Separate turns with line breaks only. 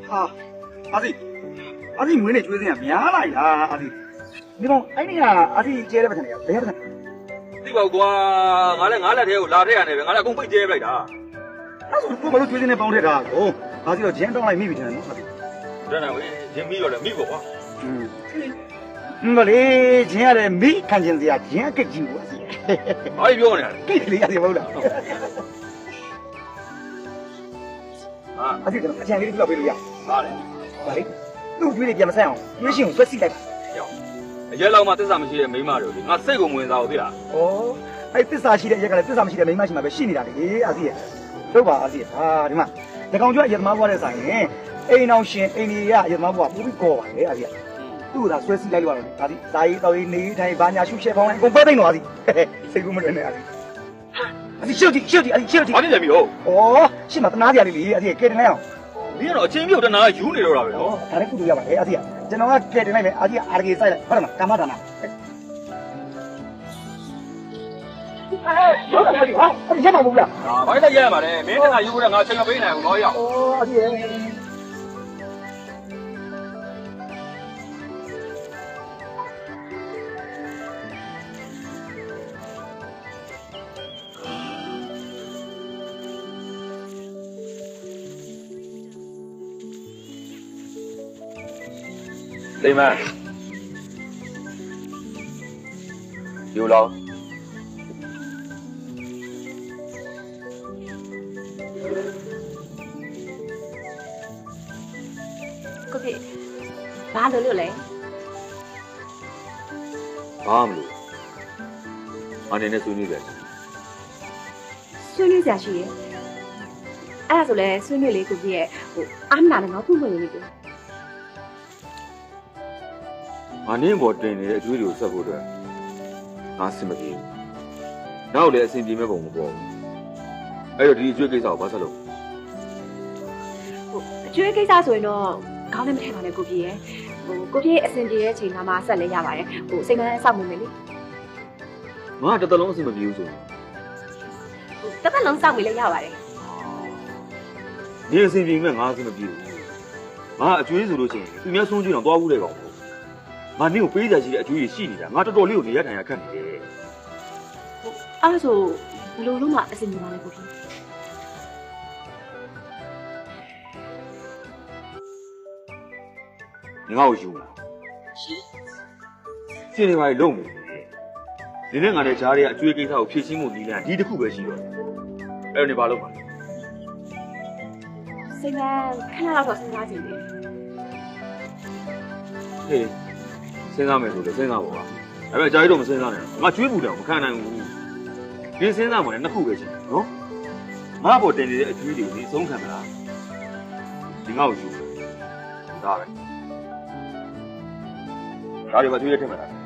啊，阿弟每年做这样，免来啦，阿弟。你讲，哎你啊，阿弟接了不成呀？不要不成。
ဒီဘောကွာငါလက်ထဲကိုလာထည့်ရတယ်ပဲငါလည်းအကုန်ပိတ်ကျဲပလိုက်တာ
那时候我们都做这样帮着他，哦，阿弟要钱当来没不成，阿弟。
真係ဝင်ရင်ပြီးတော့လည်းမိဖို့ကွာ
我嘞，钱啊嘞没看见这样，钱给进我是。
ဘာကြီးပြောနေလဲ
给你阿弟冇了。
啊，
阿弟怎么钱给你不要背了呀？
ဟာလေ
ဘာလဲသူ့တွေးပြန်မဆိုင်အောင်တွေးရှင်ကိုဆွဲစီလိုက်ပါ
ရောက်အရက်လောက်မှသစ္စာမရှိတဲ့မိန်းမတွေလေငါစိတ်ကိုမဝင်စားဘူးသိလား
ဩအဲ့သစ္စာရှိတဲ့ရက်ကလည်းသစ္စာမရှိတဲ့မိန်းမရှိမှပဲရှိနေတာလေအာစီရဲ့တို့ပါအာစီဟာဒီမှာဒီကောင်ကျွတ်အရက်သမားဘွားတဲ့ဆိုင်ရင်အိမ်အောင်ရှင်အိမ်ကြီးကအရက်သမားဘွားပူပြီးကောပါလေအာစီကသူ့ကဆွဲစီလိုက်လို့ရတယ်အာစီဇာကြီးတော်ကြီးနေထိုင်ဘာညာရှုရှဲပေါင်းလိုက်အကုန်ပဲသိမ့်တော့အာစီစိတ်ကူးမလွယ်နဲ့အာစီအာစီရှုပ်ကြည့်အာစီရှုပ်ကြည့်
ဘာဖြစ်လဲပြီဟုတ်
ဩရှင်းမတနာကြရလေးလေအာစီကဲတင်လိုက်အောင်
မင်းကတော့အချင်းပြုတ်တနာယူနေတော့တာပဲနော်
ဒါလည်းကုတူရပါလေအာစီကကျွန်တော်ကကဲတင်လိုက်မယ်အာစီကအာရကေဆိုင်လိုက်ဟုတ်တယ်မကာမဒါနာဟုတ်တယ်ဟာအဲ့ရမှာမဟုတ်လား
ဘာလို့လဲရရမှာလဲမင်းတနာယူဖို့ကငါချိန်မပေးနိုင်ဘူးတော့ရောက်
ဩအာစီရဲ့
လိမ္မာယူလောင်း
ကိုဖေဘာလို့လဲ
ဘာမလို့အနေနဲ့ဆွေးနွေးကြတယ်
ဆွေးနွေးကြရှိရဲ့အဲ့ဒါဆိုလဲဆွေးနွေးလေးကိုဖေရဲ့အားမနာနဲ့ငါဖွင့်ဖွင့်လေးကို
ငါနင်းပေါ်တင်နေတဲ့အကျွေးတွေကိုဆက်ဖို့အတွက်ငါစင်မပြေဘူးနောက်လည်းအဆင်ပြေမဲ့ပုံမပေါ်ဘူးအဲ့တော့ဒီအကျွေးကိစ္စကိုဘာဆက်လုပ်
အကျွေးကိစ္စဆိုရင်တော့ခေါင်းနဲ့မထည့်ပါနဲ့ကိုဖေရဲ့ကိုဖေအဆင်ပြေတဲ့ချိန်မှာဆက်လဲရပါတယ်စိတ်မဆောက်မှုမယ်လေ
ငါတစ်သက်လုံးအဆင်မပြေဘူးဆိုရင်
တစ်သက်လုံးစောင့်မိလဲရပါတယ်
ဒီအဆင်ပြေမဲ့ငါအဆင်မပြေဘူးငါအကျွေးဆိုလို့ချင်းသူများဆုံးကျွေးတော့သွားဘူးတဲ့ကောင်ငါနင့်ကိုပေးကြရှိတဲ့အကျွေးကြီးရှိနေတာငါတော်တော်လေးကိုနေရထိုင်ရခက်နေတယ်
အဲ့ဒါဆိုဘယ်လိုလုပ်မှအဆင်ပြေပါလဲကိုဖေ
你ငါ့ကိုယူလားရှင်းနေပါလေလုံးနေနဲ့ငါတဲ့ဂျားတွေကအကျွေးကိစ္စကိုဖြည့်ရှင်းဖို့နီးလန်းဒီတစ်ခုပဲရှိတော့တယ်အဲ့တော့နေပါလို့ပါ
စိတ်မခဏတော့စဉ်းစားကြည့်လေ
ဟေးစဉ်းစားမယ်ဆိုလည်းစဉ်းစားပါဒါပေမဲ့ဂျားကြီးတော့မစဉ်းစားနဲ့ငါကျွေးဘူးတယ်မခံနိုင်ဘူးဒီစဉ်းစားမှလည်းနှစ်ခုပဲရှိတယ်နော်ငါ့ဘော်တင်နေတဲ့အကျွေးတွေကိုဒီအဆုံးခံမလားဒီငါ့ကိုယူဒါပဲဒါတွေမကျွေးရထင်မလား